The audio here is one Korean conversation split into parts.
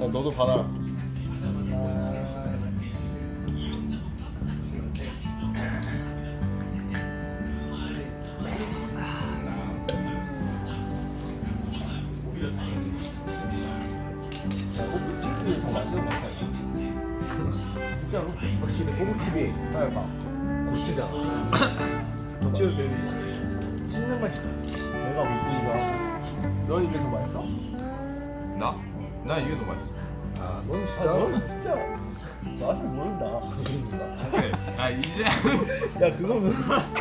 너도 받아라. 호북집이 더 맛있는 것 같아. 진짜로? 확실히 호북집이 하여가 고치잖아. 고치도 되는 거 씹는 맛이 나. 내가 먹기가 하고. 넌 이게 더 맛있어? 나? 나 이게 더 맛있어. 아, 넌 아, 진짜. 넌 진짜 맛을 모른다. 아 이제 야, 그거는.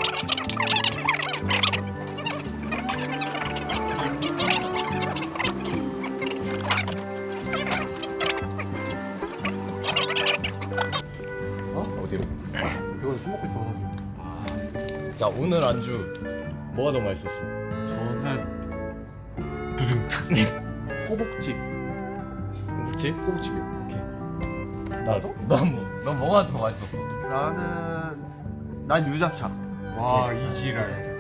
어디로? 그걸 술 먹고 있어 사실. 자 오늘 안주 뭐가 더 맛있었어? 저는 호북집. 그치? 호북집이요. 나도? 넌 뭐가 더 맛있었어? 난 유자차. 와 이지랄.